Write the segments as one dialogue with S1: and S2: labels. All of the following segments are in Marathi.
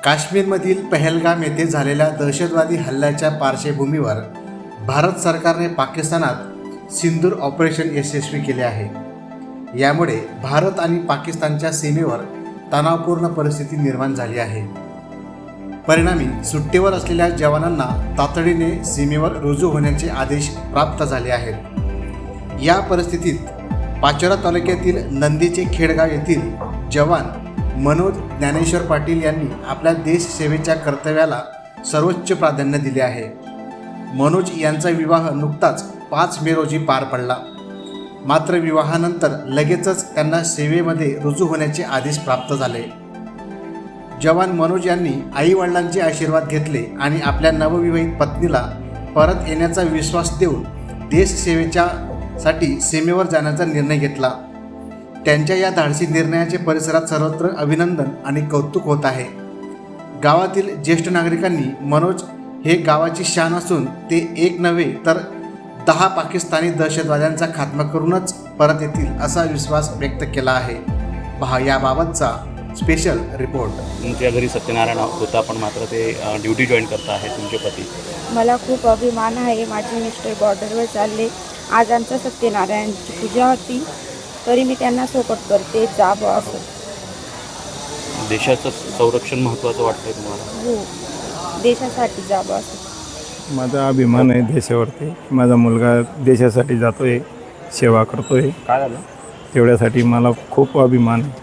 S1: काश्मीरमधील पहलगाम येथे झालेल्या दहशतवादी हल्ल्याच्या पार्श्वभूमीवर भारत सरकारने पाकिस्तानात सिंदूर ऑपरेशन यशस्वी केले आहे. यामुळे भारत आणि पाकिस्तानच्या सीमेवर तणावपूर्ण परिस्थिती निर्माण झाली आहे. परिणामी सुट्टीवर असलेल्या जवानांना तातडीने सीमेवर रुजू होण्याचे आदेश प्राप्त झाले आहेत. या परिस्थितीत पाचोरा तालुक्यातील नंदीचे खेडगाव येथील जवान मनोज ज्ञानेश्वर पाटील यांनी आपल्या देशसेवेच्या कर्तव्याला सर्वोच्च प्राधान्य दिले आहे. मनोज यांचा विवाह नुकताच 5 मे रोजी पार पडला. मात्र विवाहानंतर लगेचच त्यांना सेवेमध्ये रुजू होण्याचे आदेश प्राप्त झाले. जवान मनोज यांनी आईवडिलांचे आशीर्वाद घेतले आणि आपल्या नवविवाहित पत्नीला परत येण्याचा विश्वास देऊन देशसेवेच्यासाठी सीमेवर जाण्याचा निर्णय घेतला. त्यांच्या या धाडसी निर्णयाचे परिसरात सर्वत्र अभिनंदन आणि कौतुक होत आहे. गावातील ज्येष्ठ नागरिकांनी मनोज हे गावाची शान असून ते एक नव्हे तर 10 पाकिस्तानी दहशतवाद्यांचा खात्मा करूनच परत येतील असा विश्वास व्यक्त केला आहे. पहा याबाबतचा स्पेशल रिपोर्ट.
S2: तुमच्या घरी सत्यनारायण होता पण मात्र ते ड्युटी जॉईन करता आहे तुमचे पती.
S3: मला खूप अभिमान आहे. माझे मिस्टर बॉर्डरवर चालले. आज आमचा सत्यनारायणची पूजा होती तरी मी त्यांना सपोर्ट करते. जावं असं.
S2: देशाचं संरक्षण महत्त्वाचं वाटतंय तुम्हाला?
S3: हो, देशासाठी जावं असं.
S4: माझा अभिमान आहे देशावरती. माझा मुलगा देशासाठी जातोय, सेवा करतोय.
S2: काय झालं?
S4: तेवढ्यासाठी मला खूप अभिमान आहे.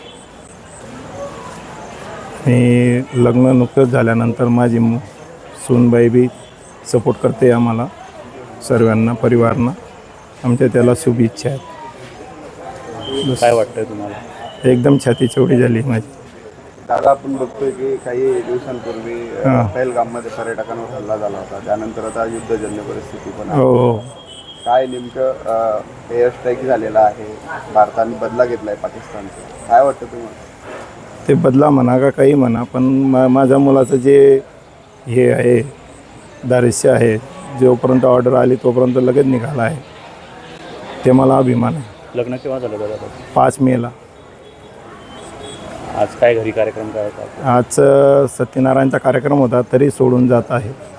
S4: आणि लग्न नुकतंच झाल्यानंतर माझी सूनबाई बी सपोर्ट करते आम्हाला सर्वांना, परिवारांना. आमच्या त्याला शुभेच्छा आहेत.
S2: काय वाटतंय तुम्हाला?
S4: एकदम छाती चौडी झाली माझी.
S5: दादा, आपण बघतोय की काही दिवसांपूर्वी पहलगाममध्ये पर्यटकांवर हल्ला झाला होता. त्यानंतर आता युद्धजन्य परिस्थिती पण आहे.
S4: हो.
S5: काय नेमकं एअर स्ट्राईक झालेला आहे, भारताने बदला घेतला आहे पाकिस्तानचा. काय वाटतं तुम्हाला?
S4: ते बदला म्हणा का काही म्हणा, पण माझ्या मुलाचं जे हे आहे दारिश्य आहे, जोपर्यंत ऑर्डर आली तोपर्यंत लगेच निघाला आहे. ते मला अभिमान आहे.
S2: लग्न केव्हा झालं दादा?
S4: 5 मेला.
S2: आज काय घरी कार्यक्रम काय होता?
S4: आज सत्यनारायणचा कार्यक्रम होता तरी सोडून जात आहे.